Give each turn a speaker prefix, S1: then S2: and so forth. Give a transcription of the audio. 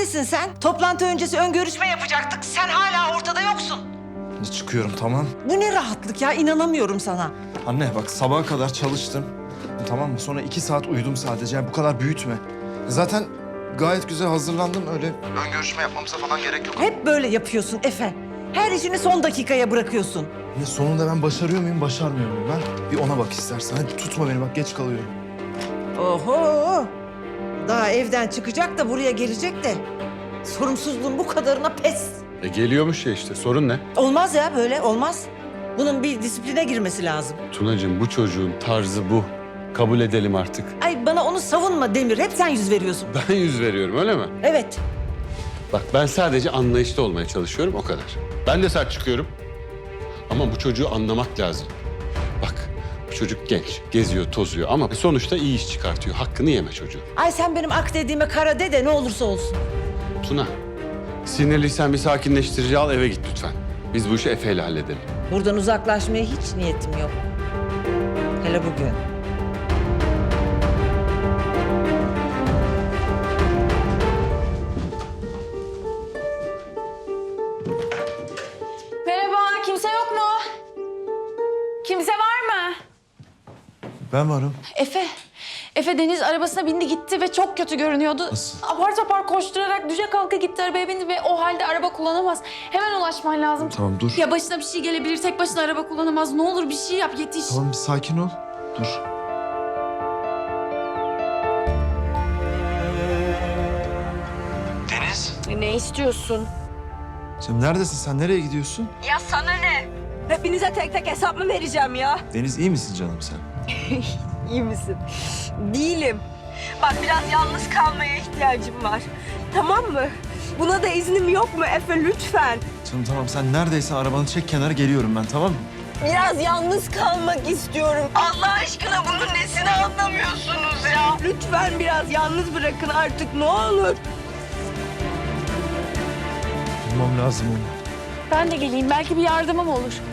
S1: Neredesin sen? Toplantı öncesi ön görüşme yapacaktık. Sen hala ortada yoksun.
S2: Çıkıyorum tamam.
S1: Bu ne rahatlık ya, inanamıyorum sana.
S2: Anne bak sabaha kadar çalıştım. Tamam mı? Sonra 2 saat uyudum sadece. Yani bu kadar büyütme. Zaten gayet güzel hazırlandım öyle. Ön görüşme yapmamıza falan gerek yok.
S1: Hep böyle yapıyorsun Efe. Her işini son dakikaya bırakıyorsun.
S2: Ya sonunda ben başarıyor muyum, başarmıyor muyum? Ben bir ona bak istersen. Hadi tutma beni bak geç kalıyorum.
S1: Oho! Daha evden çıkacak da buraya gelecek de. Sorumsuzluğun bu kadarına pes.
S3: Geliyormuş ya işte. Sorun ne?
S1: Olmaz ya, böyle olmaz. Bunun bir disipline girmesi lazım.
S3: Tunacığım bu çocuğun tarzı bu. Kabul edelim artık.
S1: Ay bana onu savunma Demir. Hep sen yüz veriyorsun.
S3: Ben yüz veriyorum öyle mi?
S1: Evet.
S3: Bak ben sadece anlayışlı olmaya çalışıyorum o kadar. Ben de sert çıkıyorum. Ama bu çocuğu anlamak lazım. Bak bu çocuk genç, geziyor, tozuyor ama sonuçta iyi iş çıkartıyor. Hakkını yeme çocuğu.
S1: Ay sen benim ak dediğime kara de ne olursa olsun.
S3: Tuna, sinirliysen bir sakinleştirici al eve git lütfen. Biz bu işi Efe'yle halledelim.
S1: Buradan uzaklaşmaya hiç niyetim yok. Hele bugün.
S4: Merhaba, kimse yok mu? Kimse var mı?
S2: Ben varım.
S4: Efe Deniz arabasına bindi gitti ve çok kötü görünüyordu.
S2: Nasıl?
S4: Apar topar koşturarak düşe kalka gitti arabaya bindi ve o halde araba kullanamaz. Hemen ulaşman lazım.
S2: Tamam dur.
S4: Ya başına bir şey gelebilir, tek başına araba kullanamaz. Ne olur bir şey yap, yetiş.
S2: Tamam bir sakin ol. Dur. Deniz.
S5: Ne istiyorsun?
S2: Sen neredesin? Sen nereye gidiyorsun?
S5: Ya sana ne? Hepinize tek tek hesap mı vereceğim ya?
S2: Deniz iyi misin canım sen?
S5: İyi misin? Değilim. Bak biraz yalnız kalmaya ihtiyacım var. Tamam mı? Buna da iznim yok mu Efe lütfen?
S2: Canım tamam sen neredeysen arabanı çek kenara geliyorum ben tamam mı?
S5: Biraz yalnız kalmak istiyorum. Allah aşkına bunun nesini anlamıyorsunuz ya? Lütfen biraz yalnız bırakın artık ne olur.
S2: Bulmam lazım onu.
S4: Ben de geleyim, belki bir yardımım olur.